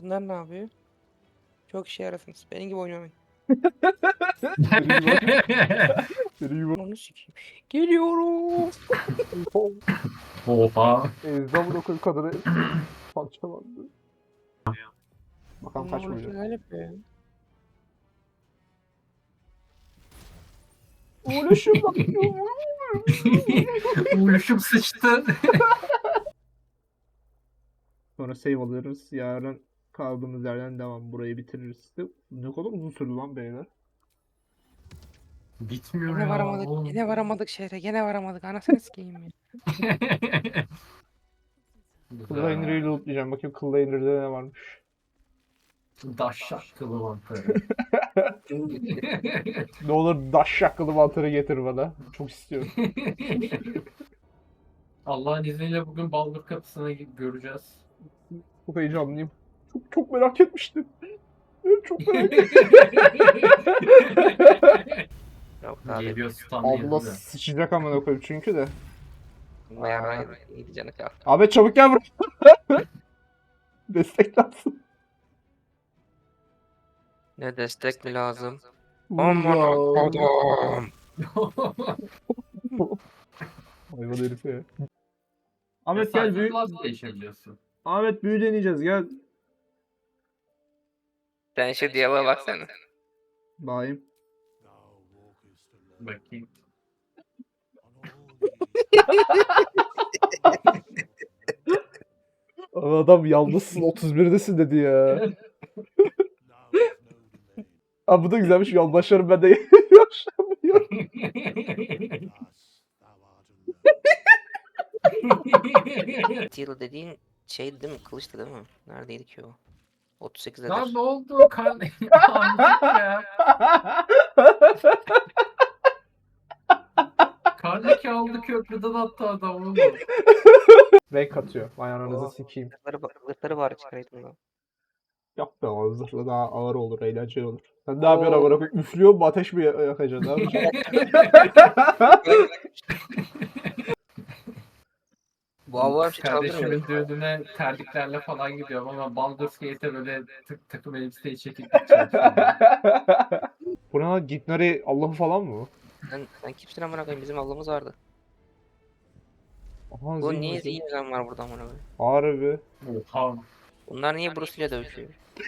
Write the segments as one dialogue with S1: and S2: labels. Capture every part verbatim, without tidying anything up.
S1: Bunlar ne yapıyor? Çok işe yarasınız. Benim gibi oynamayın.
S2: Biri yuva.
S1: Onu sikeyim. Geliyorum.
S3: Oha.
S2: Ezdi amına koyayım kadını. Parçalandı. Bakalım
S1: Bunlar
S2: kaç
S1: bunu
S2: vuracak.
S1: neler yapıyor ya?
S2: Uğraşım bak.
S3: Uyuşum sıçtı.
S2: Sonra save alıyoruz. Yarın kaldığımız yerden devam. Burayı bitiririz. Ne kadar uzun sürdü lan beyler.
S3: Bitmiyor
S1: Gene
S3: ya.
S1: varamadık.
S3: oğlum.
S1: Gene varamadık şehre. Gene varamadık. Anasını sikeyim ya.
S2: Kıllainer'ı lootlayacağım. Bakayım Kıllainer'da ne varmış.
S3: Daşşak kılı mantarı.
S2: Ne olur daş şakkalı mantarı getir bana. Çok istiyorum.
S3: Allah'ın izniyle bugün Baldur kapısına gidip göreceğiz.
S2: Çok heyecanlıyım. Çok çok merak etmiştim. Çok merak ettim.
S1: Yok abi.
S3: Geliyor stun
S2: Abla
S3: yazıyor.
S2: sıçacak amına koyayım çünkü de.
S1: Bayağı iyiydi canı kalktı.
S2: Ahmet çabuk gel buraya. Destek lazım.
S1: Ne destek mi lazım?
S2: Aman
S1: Aman kodum.
S2: Hayvan herif ya. Ahmet gel büyü.
S3: Nasıl değişebiliyorsun?
S2: Ahmet büyü deneyeceğiz gel.
S1: Sen şu diyaloğa baksana.
S2: Bayım.
S3: Bakayım.
S2: Adam yalnızsın otuz birdesin dedi ya. Abi bu da güzelmiş yoldaşlarım ben de yaşamıyor.
S1: Steel dediğin şey değil mi? Kılıçtı değil mi? Neredeydi ki o? otuz sekizdedir.
S3: Lan ne oldu? Kan... Amcık ya. Karneki aldı köprüden attı adamı.
S2: Renk atıyor. Vay ananızı
S1: Oo.
S2: sikeyim.
S1: Zırhları, ba- zırhları bari çıkaraydım lan.
S2: Yok be o zırhlı daha ağır olur, eğlenceli olur. Sen ne yapıyorsun amına koyayım? Üflüyor mu ateş mi yakacaksın? Ne yapacaksın?
S1: Bu avlar bir şey
S3: Kardeşimin
S1: çaldırmıyor.
S3: düğününe terliklerle falan gidiyorum ama Baldur's Gate'e böyle tık takım elbiseyi çekip gideceğim şimdi.
S2: Bu ne lan? Gitnari Allah'ı falan mı?
S1: Sen, sen kimsin amına koyayım? Bizim ablamız vardı.
S2: Aha
S1: Bu
S2: zihin
S1: niye
S2: zihin.
S1: zihin yüzden var burada amına koyayım?
S2: Harbi.
S3: Oha.
S1: Bunlar niye Bruce ile dövüşüyor?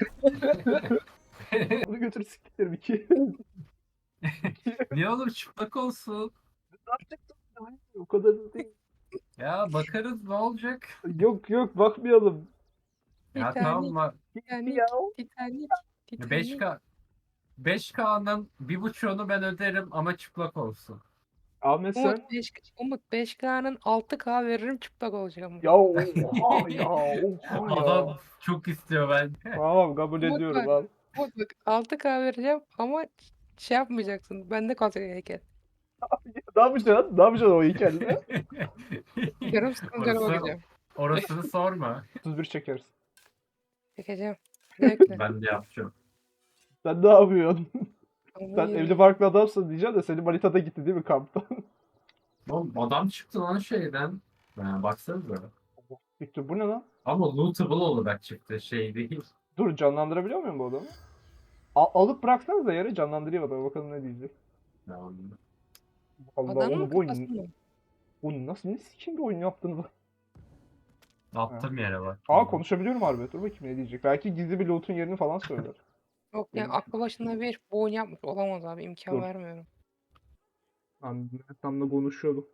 S2: Bunu götür siktir iki.
S3: Niye oğlum çıplak olsun?
S2: O kadar da değil.
S3: Ya bakarız ne olacak?
S2: Yok yok bakmayalım.
S3: Ya
S1: Titanic,
S3: tamam mı?
S1: Titanic, Titanic, Titanic.
S3: beş K beş K'nın bir buçuğunu ben öderim ama çıplak olsun.
S2: Ahmet sen.
S1: Umut beş, Umut beş K'nın altı K veririm çıplak olacak ama.
S2: Ya oha ya oha ya.
S3: Adam çok istiyor ben.
S2: Tamam kabul
S1: Umut
S2: ediyorum
S1: bak,
S2: al.
S1: Umut bak altı K vereceğim ama şey yapmayacaksın. Bende kalacak heykel.
S2: Ne yapacaksın? Ne yapacaksın o heykelle?
S1: Yarım sıkıntı
S3: Orası-
S1: bakacağım.
S3: Orasını sorma.
S2: otuz bir çekeriz.
S1: Çekeceğim. Zevkle.
S3: Ben de yapacağım.
S2: Sen ne yapıyorsun?
S1: Ama
S2: Sen
S1: iyi.
S2: evli barklı adamsın diyeceğim de senin manitada gitti değil mi kamptan?
S3: Oğlum adam çıktı lan şeyden. Ha, baksanıza.
S2: Victor bu ne lan?
S3: Ama lootable olarak çıktı şey değil.
S2: Dur canlandırabiliyor muyum bu adamı? Al- alıp bıraksanız da yere canlandırayım adamı bakalım ne diyecek.
S3: Yani,
S2: Allah
S1: Adamın
S2: oğlum bu
S1: kafası
S2: oyun,
S1: mı?
S2: bu nasıl ne sikim bir oyun yaptınız?
S3: attım yere bak.
S2: Aa konuşabiliyorum harbi. Dur bakayım ne diyecek. Belki gizli bir loot'un yerini falan söyler.
S1: Yok yani aklı başında bir bu oyun yapmış olamaz abi imkan
S2: Dur.
S1: vermiyorum.
S2: Ben Mehmet'le konuşuyordum.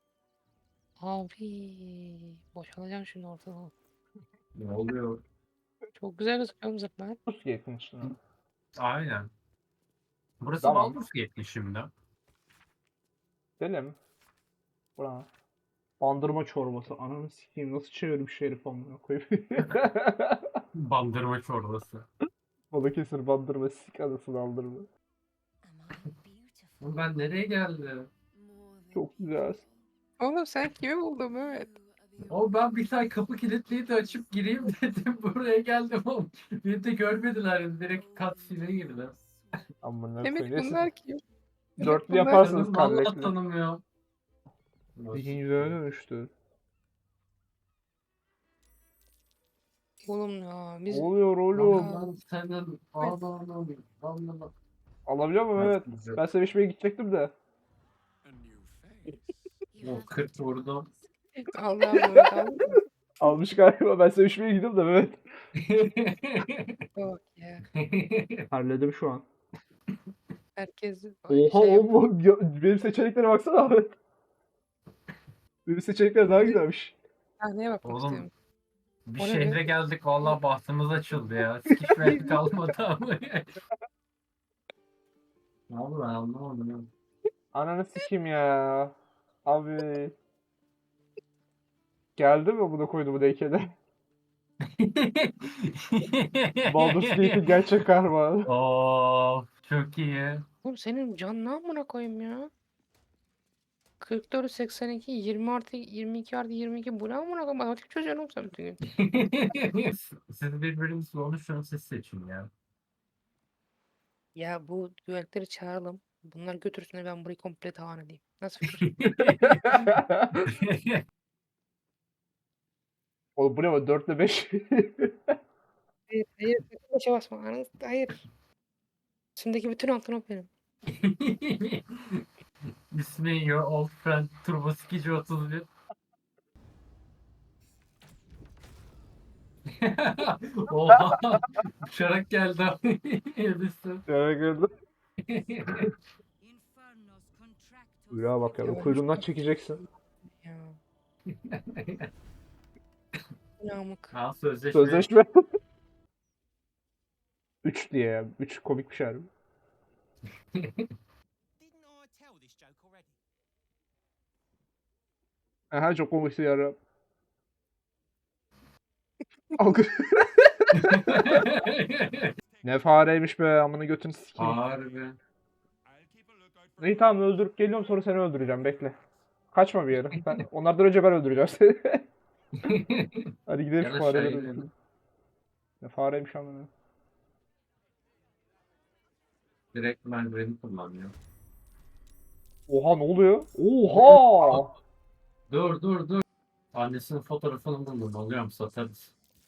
S1: Abi boşalacağım şimdi ortadan.
S3: Ne oluyor?
S1: Çok güzel gözüküyor zıplar.
S2: Rus gate'in içine.
S3: Aynen. Burası
S2: Tamam.
S3: Baldur's Gate'li şimdi.
S2: Gidelim. Bura. Bandırma çorbası. Ananı sikeyim nasıl çevirmiş herif amına koyayım.
S3: Bandırma çorbası.
S2: Balıkesir bandırma sik anasını aldırma.
S3: Oğlum ben nereye geldim?
S2: Çok güzel.
S1: Oğlum sen kimi buldun Mehmet?
S3: O ben bir tane kapı kilitliydi açıp gireyim dedim buraya geldim oğlum. Beni de görmediler direkt cutscene'e girdiler.
S2: Amına
S1: Mehmet
S2: koyayım. Neyse.
S1: bunlar kim?
S2: Dörtlü
S1: Bunlar-
S2: yaparsınız
S3: Tanım, vallahi
S2: kallekli.
S3: tanımıyor.
S2: Zihin yüzüne dönüştü.
S1: Oğlum ya
S2: Ne
S1: biz
S2: oluyor oğlum?
S3: Allah'ım senin Allah'ım Allah'ım.
S2: Alabiliyor muyum? Evet. Ben sevişmeye gidecektim de.
S3: O kırk vurdum.
S1: Allah'ım Mehmet abi.
S2: Almış galiba. Ben sevişmeye gidiyorum da evet.
S1: Bak ya.
S2: Halledim şu an.
S1: Herkes
S2: Oha
S1: şey yap-
S2: oğlum. Ya- Benim seçeneklere baksana abi. Benim seçenekler daha güzelmiş.
S1: sahneye bakmak
S3: Oğlum
S1: istiyorum.
S3: bir
S1: O ne
S3: şehre
S1: be?
S3: geldik vallahi bahtımız açıldı ya. Sikiş ver kalmadı ama. Ne oldu ben anlamadım ya.
S2: Ananı sikeyim ya. Abi. Geldi mi bunu koydu bu heykele? Baldur's Gate'in gerçek kahramanı.
S3: Oo, çok iyi.
S1: Oğlum senin can ne amına koyayım ya? kırk dört seksen iki yirmi artı yirmi iki artı yirmi iki bu ne amına koyayım? Matematik çözüyorum sen bütün gün.
S3: Siz birbirinizi konuşun siz seçin ya.
S1: Ya bu güvenlikleri çağıralım. Bunlar götürsün de ben burayı komple talan edeyim. Nasıl fikir?
S2: Oğlum bu ne var? dört ile beş.
S1: Hayır, hayır. sakın Beşe basma. Anı- Hayır. Üstümdeki bütün altın o benim.
S3: İsmi Your Old Friend Turbo Sikici otuz bir. Oha! Uçarak geldi abi. Edison.
S2: Ya gördüm. Ya bak ya.
S1: Ya
S2: Kuyruğundan
S1: şu-
S2: çekeceksin.
S1: Ya. Yamık.
S3: Ha sözleşme.
S2: Sözleşme. üç diye ya. üç komik bir şey harbi. Aha çok komik şey ya. Algı. Ne fareymiş be amına götünü sikeyim.
S3: Harbi.
S2: İyi tamam öldürüp geliyorum sonra seni öldüreceğim bekle. Kaçma bir yere. Ben, onlardan önce ben öldüreceğim seni. Hadi gidelim
S3: Ya
S2: şu
S3: da
S2: fareleri
S3: şey
S2: öldürelim. Ne fareymiş amına.
S3: Direkt merdiveni kullanıyor.
S2: Oha ne oluyor? Oha!
S3: Dur dur dur. Annesinin fotoğrafını buldum. Alıyorum satarız.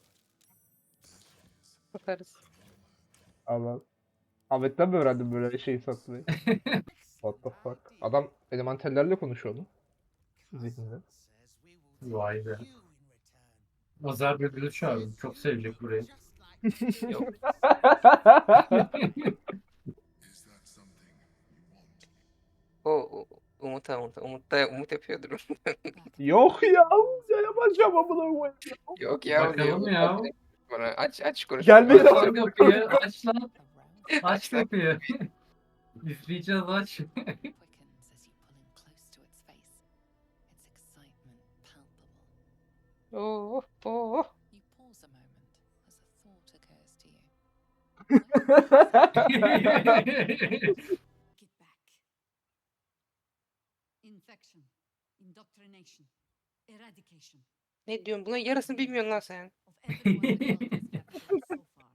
S1: Bakarız.
S2: Allah. Ahmet'ten mi öğrendin böyle şeyi satmayı? What the fuck? Adam elementellerle konuşuyordu. Zihninde.
S3: Vay be. Azar Bülbül'ü çağırdım. Çok sevecek burayı.
S1: Yok. O, o Umut Umut. Umut da Umut yapıyordur.
S2: Yok ya. Ya yapacağım amına koyayım.
S1: Yok ya
S3: Bakalım
S1: diyor.
S3: ya.
S1: Bana aç aç konuş.
S2: Gelmedi
S3: Aç
S2: ama.
S3: lan kapıyı. Aç lan. Aç
S1: Aç lan.
S3: kapıyı. İzleyeceğiz aç.
S4: quickens as you pull in close to its face, its excitement palpable.
S1: Oh oh.
S4: You pause a moment as a thought occurs to you.
S5: Get back. Infection, indoctrination, eradication
S1: Ne diyorsun? Bunun yarısını bilmiyorsun lan sen.
S5: of everyone the world has captured so far.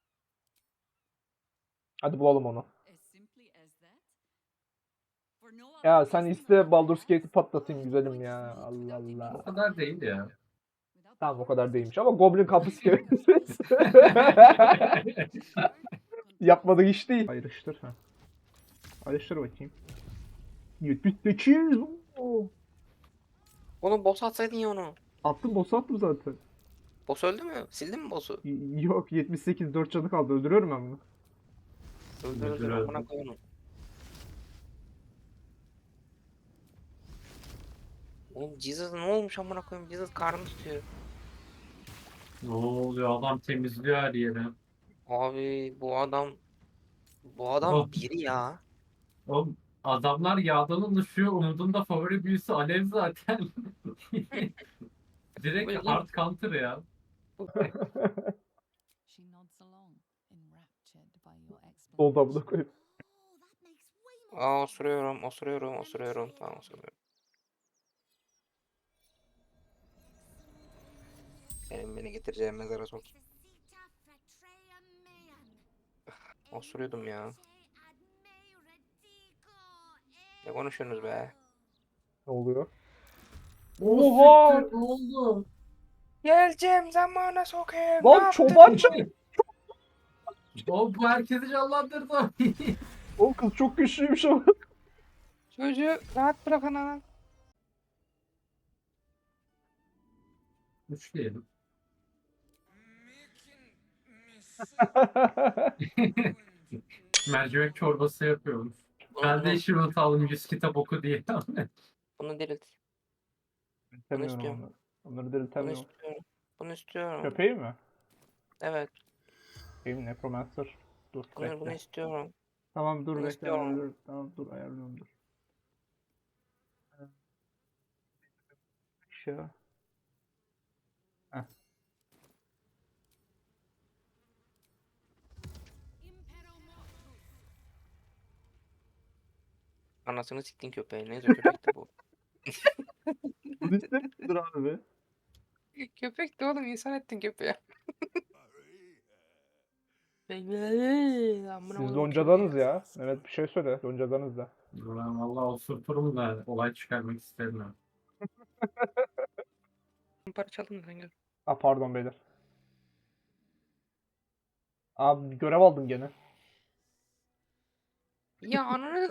S2: Hadi bulalım onu.
S5: As simply as that. For no other
S2: Ya sen
S5: reason
S2: iste
S5: than
S2: Baldur's
S5: that,
S2: Gate'i patlatayım
S5: the
S2: güzelim
S5: point
S2: ya.
S5: is made
S2: Allah
S5: without the
S2: Allah.
S3: O
S5: means
S3: kadar değil ya.
S5: without
S2: Tamam o
S5: the
S2: kadar değilmiş ama Goblin kapısı kelimesi.
S5: means.
S2: Yapmadık iş değil. Ayrıştır ha. Ayrıştır bakayım. yetmiş sekiz. Oo.
S1: Oğlum boss atsaydın ya onu.
S2: Attım boss attım zaten.
S1: Boss öldü mü? Sildin mi boss'u?
S2: Y- Yok yetmiş sekiz dört canı kaldı öldürüyorum ben bunu.
S1: Öldür
S3: Öldür,
S1: öldür.
S3: öldür.
S1: Amına koy onu. Oğlum Jesus ne olmuş amına koyayım? Jesus karnını tutuyor.
S3: Ne oluyor? Adam temizliyor her yeri.
S1: Abi bu adam bu adam
S3: Oh.
S1: biri ya.
S3: Oğlum adamlar yağdan oluşuyor. Umut'un da favori büyüsü Alev zaten. Direkt
S1: Böyle
S3: hard counter ya.
S4: She nods along, enraptured by your
S2: Oldu
S4: explanation.
S2: amına koyayım.
S5: Oh, that makes way more
S1: Aa
S5: sense.
S1: osuruyorum, osuruyorum, osuruyorum. Tamam osuruyorum. Benim beni getireceğim mezara sok. Osuruyordum ya. Ne konuşuyorsunuz be?
S2: Ne oluyor?
S3: Oha!
S2: Oha!
S3: Ne oldu?
S1: Geleceğim zamana sokayım. Ne
S2: Lan
S1: yaptın?
S2: çoban çay.
S3: O bu herkesi canlandırdı.
S2: O kız çok güçlüymüş ama.
S1: Çocuğu rahat bırakın ana.
S3: Üç diyelim. Mercimek çorbası yapıyormuş. Ben de işimi atalım yüz kitap oku diye.
S1: Bunu dirilt.
S2: Diriltemiyorum
S1: istiyorum.
S2: onları. Onları
S1: Bunu
S2: diriltemiyorum.
S1: istiyorum. Bunu istiyorum.
S2: Köpeği mi?
S1: Evet.
S2: Köpeği mi? Necromancer. Dur
S1: Bunu, bunu
S2: bekle.
S1: istiyorum.
S2: Tamam dur
S1: bunu
S2: bekle.
S1: istiyorum.
S2: Dur, tamam dur ayarlıyorum dur. Şey. Heh.
S1: Anasını siktin köpeği. Neyse köpekti bu.
S2: Bunu istemiyordur abi.
S1: Köpekti oğlum, insan ettin köpeği. Amına
S2: Siz
S1: koyayım
S2: loncadanız
S1: köpeği.
S2: ya. Evet bir şey söyle. Loncadanız da.
S3: Ben valla osurturum da olay çıkarmak istemiyorum.
S1: Para çaldın sen gör.
S2: Aa pardon beyler. Abi görev aldım gene.
S1: Ya ananı...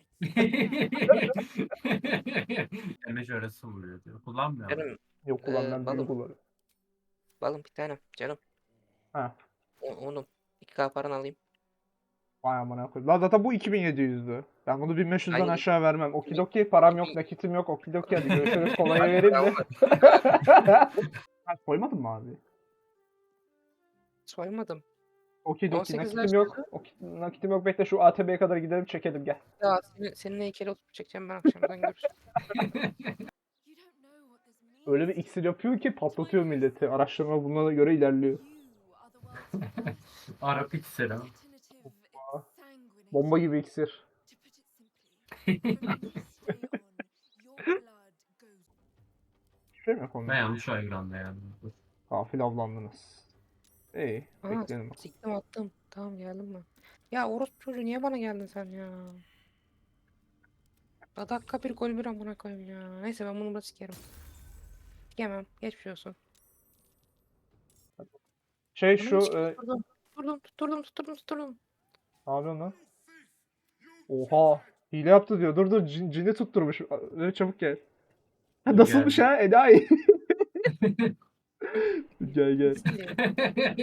S3: Damage arası vuruyor diyor. Kullanmıyor.
S1: Canım,
S2: Yok ulan
S1: Ee,
S2: ben
S1: balım.
S2: büyük kullanıyorum.
S1: balım bir tane canım.
S2: Ha.
S1: O- Oğlum. iki K paranı alayım.
S2: Vay amına koyayım. Lan zaten bu iki bin yedi yüzdü. Ben bunu bin beş yüzden
S1: Hayır.
S2: aşağı vermem. Okidoki param yok, nakitim yok. Okidoki hadi görüşürüz. Kolaya vereyim de. Ha, koymadın mı abi?
S1: Soymadım.
S2: Okidoki
S1: on sekiz
S2: nakitim yok. Oki, nakitim yok. Bekle şu A T B'ye kadar gidelim çekelim gel.
S1: Ya senin, seninle heykeli oturup çekeceğim ben akşamdan görüşürüz.
S4: You don't know what this means.
S2: Öyle bir iksir yapıyor ki patlatıyor milleti. Araştırma buna göre ilerliyor.
S4: You are the world's first
S3: Arap iksiri.
S4: alternative sanguinity.
S2: Bomba gibi iksir.
S4: To put it simply, from this day on, your blood goes.
S2: Bir şey mi yapalım?
S3: Ben yanlış aygıranda yani.
S2: Gafil avlandınız. İyi.
S1: Aa,
S2: Bekleyelim.
S1: siktim attım. Tamam geldim ben. Ya orospu çocuğu niye bana geldin sen ya? Ya dakika bir gol bir amına koyayım ya. Neyse ben bunu da sikerim. Sikemem. Geçmiş olsun.
S2: Şey
S1: Bunu
S2: şu...
S1: mu sikeyim?
S2: E,
S1: Tutturdum. Tutturdum tutturdum tutturdum tutturdum.
S2: ne yapıyorsun lan? Oha. Hile yaptı diyor. Dur dur cin, cini tutturmuş. Öyle çabuk gel. Ha, nasılmış
S3: Geldi.
S2: ha? Enayi. Gel gel.
S1: Sikeyim.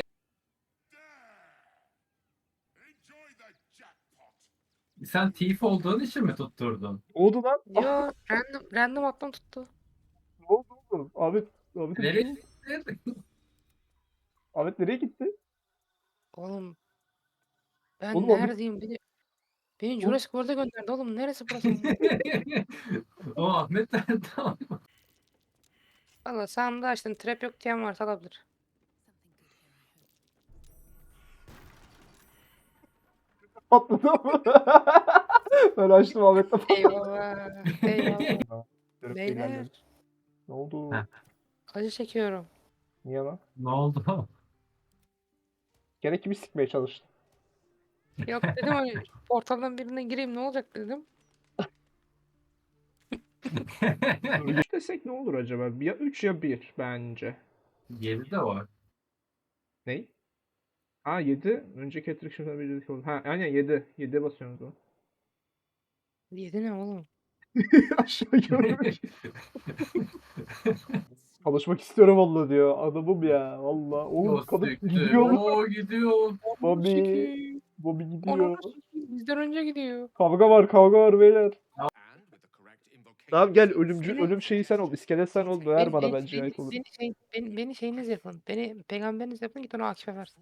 S3: Sen thief olduğun için mi tutturdun?
S2: Ne oldu lan? Ah,
S1: Yo random random attım tuttu.
S2: ne oldu oğlum? Ahmet, Ahmet,
S3: Nereye
S2: gitti?
S3: gittin?
S2: Ahmet nereye gitti?
S1: Oğlum ben
S2: Oğlum abi-
S1: neredeyim? Beni, beni Jurassic World'a gönderdi oğlum. Neresi burası?
S3: O Ahmet nerede?
S1: Valla sağımda açtın. Trap yok diyen varsa alabilir.
S4: Something good here, I hope.
S2: Patladı mı? Ben açtım Ahmet'le patladı.
S1: Eyvallah. Eyvallah.
S2: Görüp
S1: Beyler.
S2: ilerledim. Ne oldu?
S3: Ha.
S1: Acı çekiyorum.
S2: Niye lan?
S3: Ne oldu?
S2: Gene kimi sikmeye çalıştın?
S1: Yok dedim hani portaldan birine gireyim ne olacak dedim.
S2: üç desek ne olur acaba? Ya üç ya bir bence.
S3: Yedi de var.
S2: Ney? Ha yedi. Önceki attraction'da bir dedik oldu. Ha aynen yedi. yediye basıyorsunuz o.
S1: Yedi ne oğlum?
S2: Aşağı görmüş. Çalışmak istiyorum valla diyor. Adamım ya valla. Oğlum
S3: O
S2: kadın
S3: siktir.
S2: gidiyor.
S3: O gidiyor.
S2: Bobby.
S1: Sikeyim.
S2: Bobby gidiyor.
S1: Onu bizden önce gidiyor.
S2: Kavga var kavga var beyler.
S6: And with the correct invocation
S2: Tamam gel
S6: sequence,
S2: ölümcü
S1: Beni-
S2: ölüm şeyi sen ol. İskelet sen ol. Ver
S1: Beni,
S2: bana
S1: beni,
S2: bence
S1: beni,
S2: ayık olur.
S1: beni, şey, beni, beni şeyiniz yapın. Beni peygamberiniz yapın git onu Akif'e versin.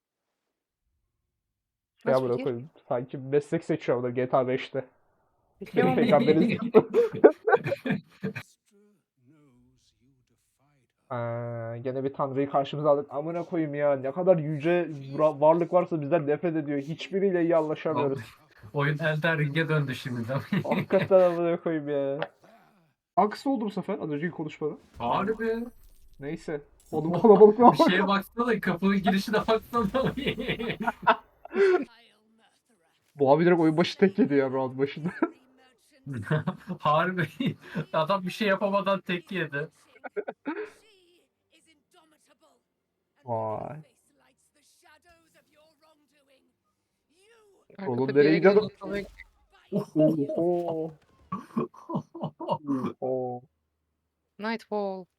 S2: Şey
S1: Nasıl
S2: amına
S1: fikir?
S2: koyayım. Sanki meslek seçiyor orada G T A beşte.
S1: Bekliyorum ama
S2: Peygamberiniz
S6: Astra knows you defied her.
S2: Aa, gene bir tanrıyı karşımıza aldık. Amına koyayım ya. Ne kadar yüce vura- varlık varsa bizden nefret ediyor. Hiçbiriyle iyi anlaşamıyoruz.
S3: Oyun Elden Ring'e döndü şimdi de.
S2: Hakikaten amına koyayım ya. Aksi oldu bu sefer az önceki konuşmada.
S3: Harbi.
S2: Neyse. Oğlum kalabalık ne
S3: Bir şeye baksana, kapının girişine baksana.
S2: Bu abi direkt oyun başı tek yedi ya round başında.
S3: Harbi. Adam bir şey yapamadan tek yedi.
S2: Vay.
S1: Arkada
S2: Oğlum
S1: bir
S2: nereye
S1: yere
S2: gidiyorsun?
S1: gidiyor.
S2: Oho. Oho.
S1: Nightfall.